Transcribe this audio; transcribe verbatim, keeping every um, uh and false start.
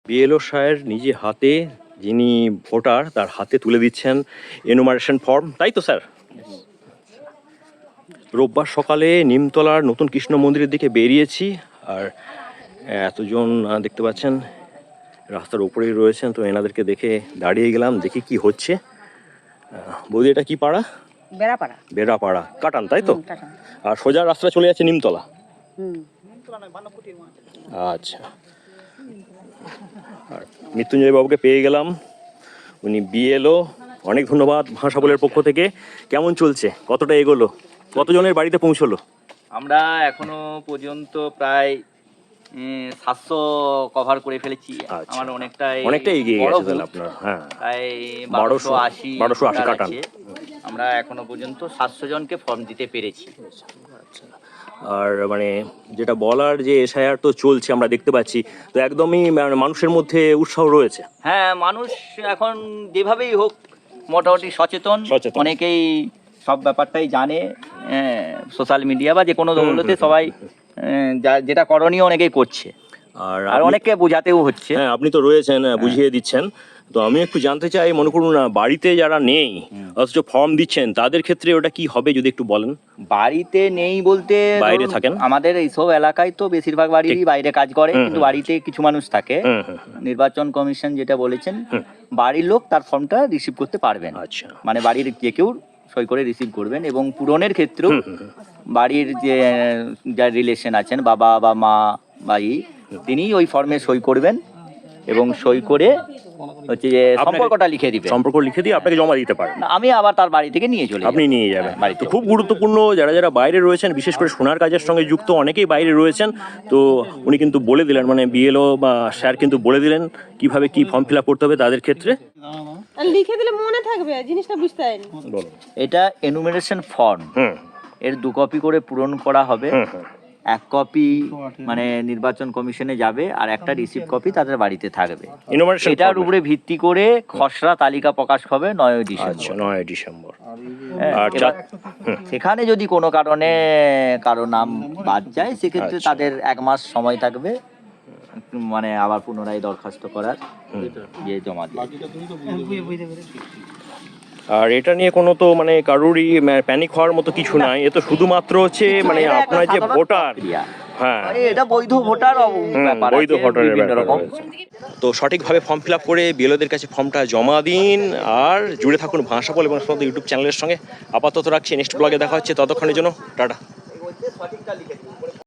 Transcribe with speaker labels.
Speaker 1: BLO সাহের নিজে হাতে, যিনি ভোটার তার হাতে তুলে দিচ্ছেন এনুমারেশন ফর্ম, তাই তো স্যার? রোববার সকালে নিমতলার নতুন কৃষ্ণ মন্দিরের দিকে বেরিয়েছি, আর এতজন দেখতে পাচ্ছেন রাস্তার উপরেই রয়েছেন, তো এনাদেরকে দেখে দাঁড়িয়ে গেলাম, দেখি কি হচ্ছে। বৌদি, এটা কি পাড়া?
Speaker 2: বেড়াপাড়া।
Speaker 1: বেড়াপাড়া, কাটান, তাই তো? আর সোজা রাস্তা চলে যাচ্ছে নিমতলা। আচ্ছা, আর মৃত্যুঞ্জয় বাবুকে পেয়ে গেলাম, উনি বিএলও। অনেক ধন্যবাদ ভাষা বলের পক্ষ থেকে। কেমন চলছে, কতটা এগোলো, কতজনের বাড়িতে পৌঁছলো?
Speaker 3: আমরা এখনো পর্যন্ত প্রায় সাতশো কভার করে ফেলেছি। আমার অনেকটাই
Speaker 1: অনেকটা এগিয়ে গেছে তাহলে আপনার। হ্যাঁ,
Speaker 3: প্রায় বারোশো আশি
Speaker 1: বারোশো আশি কাটান।
Speaker 3: আমরা এখনো পর্যন্ত সাতশো জনকে ফর্ম দিতে পেরেছি।
Speaker 1: আচ্ছা, আর মানে যেটা বলার যে এসআইআর তো চলছে, আমরা দেখতে পাচ্ছি, তো একদমই মানুষের মধ্যে উৎসাহ রয়েছে।
Speaker 3: হ্যাঁ, মানুষ এখন যেভাবেই হোক মোটামুটি সচেতন, অনেকেই সব ব্যাপারটাই জানে। সোশ্যাল মিডিয়া বা যে কোনো দৌলতে সবাই যেটা করণীয় অনেকেই করছে, আর অনেককে বোঝাতেও হচ্ছে।
Speaker 1: হ্যাঁ, আপনি তো রয়েছেন, বুঝিয়ে দিচ্ছেন। তো আমি একটু জানতে চাই, মনে করুন না বাড়িতে যারা নেই অথচ ফর্ম দিচ্ছেন, তাদের ক্ষেত্রে ওটা কি হবে যদি একটু বলেন।
Speaker 3: বাড়িতে নেই বলতে
Speaker 1: বাইরে থাকেন,
Speaker 3: আমাদের এইসব এলাকায় তো বেশিরভাগ বাড়িরই বাইরে কাজ করে, কিন্তু বাড়িতে কিছু মানুষ থাকে। নির্বাচন কমিশন যেটা বলেছেন, বাড়ির লোক তার ফর্মটা রিসিভ করতে পারবেন।
Speaker 1: আচ্ছা,
Speaker 3: মানে বাড়ির যে কেউ সই করে রিসিভ করবেন, এবং পূরণের ক্ষেত্রেও বাড়ির যে যা রিলেশন আছেন, বাবা বা মা ভাই, তিনি ওই ফর্মে সই করবেন এবং সই করে হচ্ছে যে সম্পর্কটা লিখে দিবেন।
Speaker 1: সম্পর্ক লিখে দিয়ে আপনাকে জমা দিতে পারেন।
Speaker 3: আমি আবার তার বাড়ি থেকে নিয়ে চলে
Speaker 1: আপনি নিয়ে যাবেন বাড়িতে। খুব গুরুত্বপূর্ণ, যারা যারা বাইরে রয়েছেন, বিশেষ করে সোনার কাজের সঙ্গে যুক্ত অনেকেই বাইরে রয়েছেন, তো উনি কিন্তু বলে দিলেন, মানে বিএলও বা স্যার কিন্তু বলে দিলেন কিভাবে কি ফর্ম ফিল আপ করতে হবে তাদের ক্ষেত্রে।
Speaker 2: লিখে দিলে মনে থাকবে, জিনিসটা বুঝতে পারেন।
Speaker 3: এটা এনুমারেশন ফর্ম, এর দু কপি করে পূরণ করা হবে। এক কপি মানে নির্বাচন কমিশনে যাবে, আর একটা রিসিভ কপি তাদের বাড়িতে থাকবে। এটার উপরে ভিত্তি করে খসড়া তালিকা প্রকাশ হবে নয় ডিসেম্বর।
Speaker 1: নয় ডিসেম্বর।
Speaker 3: সেখানে যদি কোনো কারণে কারো নাম বাদ যায়, সেক্ষেত্রে তাদের এক মাস সময় থাকবে, মানে আবার পুনরায় দরখাস্ত করার, যে জমা দিয়ে।
Speaker 1: আর এটা নিয়ে কোনো তো মানে কারোরই প্যানিক হওয়ার মতো কিছু নাই, এ তো শুধুমাত্র হচ্ছে মানে আপনার যে ভোটার, হ্যাঁ
Speaker 3: এটা বৈধ ভোটার,
Speaker 1: বৈধ ভোটারের ব্যাপার। তো সঠিকভাবে ফর্ম ফিল আপ করে বিএলওদের কাছে ফর্মটা জমা দিন, আর জুড়ে থাকুন ভাষা বল এবং ইউটিউব চ্যানেলের সঙ্গে। আপাতত রাখছি, নেক্সট ব্লগে দেখা হচ্ছে, ততক্ষণের জন্য টাটা।